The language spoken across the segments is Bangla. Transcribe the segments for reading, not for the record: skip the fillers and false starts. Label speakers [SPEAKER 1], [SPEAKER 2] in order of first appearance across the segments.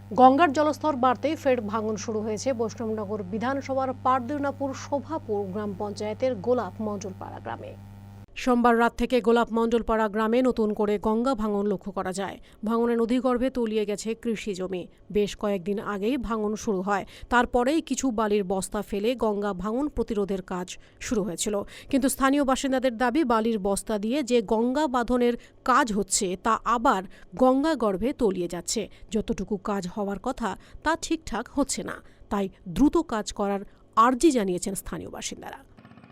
[SPEAKER 1] গঙ্গার জলস্তর বাড়তেই ফের ভাঙন শুরু হয়েছে বৈষ্ণবনগর বিধানসভার পারদুনাপুর শোভাপুর গ্রাম পঞ্চায়েতের গোলাপ মণ্ডলপাড়া গ্রামে। সোমবার রাত থেকে গোলাপ মণ্ডলপাড়া গ্রামে নতুন করে গঙ্গা ভাঙন লক্ষ্য করা যায়। ভাঙনে নদীগর্ভে তলিয়ে গেছে কৃষি জমি। বেশ কয়েকদিন আগেই ভাঙন শুরু হয়, তারপরেই কিছু বালির বস্তা ফেলে গঙ্গা ভাঙন প্রতিরোধের কাজ শুরু হয়েছিল। কিন্তু স্থানীয় বাসিন্দাদের দাবি, বালির বস্তা দিয়ে যে গঙ্গা বাঁধনের কাজ হচ্ছে তা আবার গঙ্গা গর্ভে তলিয়ে যাচ্ছে। যতটুকু কাজ হওয়ার কথা তা ঠিকঠাক হচ্ছে না, তাই দ্রুত কাজ করার আর্জি জানিয়েছেন স্থানীয় বাসিন্দারা।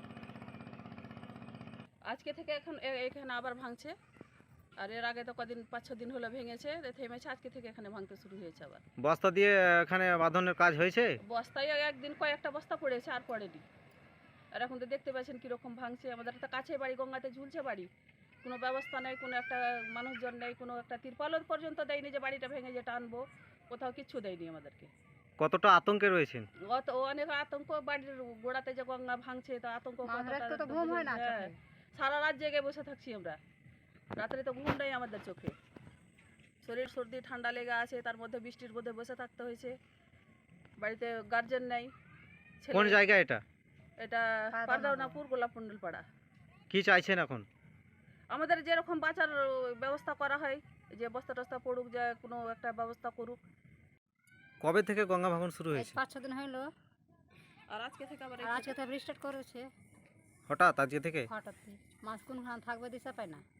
[SPEAKER 2] আজকে থেকে এখানে আবার ভাঙছে, আর এর আগে তো কদিন 5-6 দিন হলো ভেঙেছে, থেমেছে। আজকে থেকে এখানে ভাঙতে শুরু হয়েছে আবার।
[SPEAKER 3] বস্তা দিয়ে এখানে বাঁধনের কাজ হয়েছে?
[SPEAKER 2] বস্তায় একদিন কয়েকটা বস্তা পড়েছে, আর পড়েনি। আর এখন তো দেখতে পাচ্ছেন কীরকম ভাঙছে। আমাদের তো কাছে বাড়ি, গঙ্গাতে ঝুলছে বাড়ি, কোনো ব্যবস্থা নেই, কোনো একটা মানুষজন নেই, কোনো একটা তিরপালও পর্যন্ত দেয়নি যে বাড়িটা ভেঙে যেটা আনবো, কোথাও কিচ্ছু দেয়নি আমাদেরকে।
[SPEAKER 3] কতটা আতঙ্কে রয়েছেন?
[SPEAKER 2] অনেক আতঙ্ক, বাড়ির গোড়াতে যে গঙ্গা ভাঙছে তা আতঙ্ক।
[SPEAKER 4] হ্যাঁ,
[SPEAKER 2] সারা রাত জেগে বসে থাকছি আমরা, রাত্রে তো ঘুম নেই আমাদের চোখে। শরীর সর্দি ঠান্ডা লেগে আছে, তার মধ্যে বৃষ্টির মধ্যে বসে থাকতে হয়েছে। বাড়িতে গার্জেন নেই।
[SPEAKER 3] কোন জায়গা এটা?
[SPEAKER 2] এটা পারদাউনাপুর গোলাপ মণ্ডলপাড়া।
[SPEAKER 3] কি চাইছেন এখন?
[SPEAKER 2] আমাদের যেরকম বাঁচার ব্যবস্থা করা হয়, যে বস্তা টস্তা পড়ুক, যে কোনো একটা ব্যবস্থা করুক।
[SPEAKER 3] কবে থেকে গঙ্গা ভাঙন শুরু হয়েছে?
[SPEAKER 4] 5-6 দিন হইলো।
[SPEAKER 2] আর আজকে থেকে আবার
[SPEAKER 4] আজকে তো রিস্টার্ট করেছে
[SPEAKER 3] হঠাৎ আজকে থেকে?
[SPEAKER 4] হঠাৎ। মাছ কোনখানে থাকবে দিশা পায় না।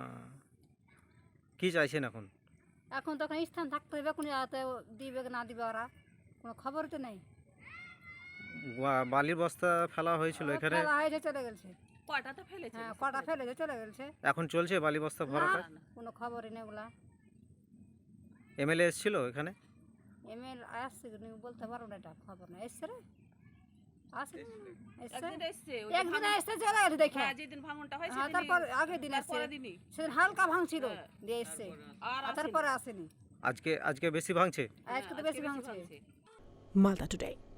[SPEAKER 3] কি চাইছেন এখন?
[SPEAKER 4] এখন তখন স্থান থাকতে হবে, কোনো দিবে না দিবে, ওরা কোনো খবর তো নেই।
[SPEAKER 3] বালির বস্তা ফেলা হয়েছিল এখানে?
[SPEAKER 4] ফেলা হয়েছে, চলে গেছে।
[SPEAKER 2] কয়টা তো ফেলেছে?
[SPEAKER 4] হ্যাঁ, কটা ফেলেছে, চলে গেছে।
[SPEAKER 3] এখন চলছে বালি বস্তা ভরাটা?
[SPEAKER 4] কোনো খবরই নেই ওগুলা।
[SPEAKER 3] এমএলএ এসেছিল এখানে?
[SPEAKER 4] এমএল আসছে বলতে পারবো না, এটা খবর না। এসছে রে, আসছে,
[SPEAKER 2] একদিন এসছে,
[SPEAKER 4] একদিন এসছে, চলে গেছে দেখে।
[SPEAKER 2] যেদিন ভাঙনটা হয়
[SPEAKER 4] তারপর আগের দিন এসছে, সেদিন হালকা ভাঙছিল দিয়ে এসছে, আর তারপরে আসেনি।
[SPEAKER 3] আজকে বেশি ভাঙছে?
[SPEAKER 4] আজকে তো বেশি ভাঙছে।
[SPEAKER 1] মালদা টুডে।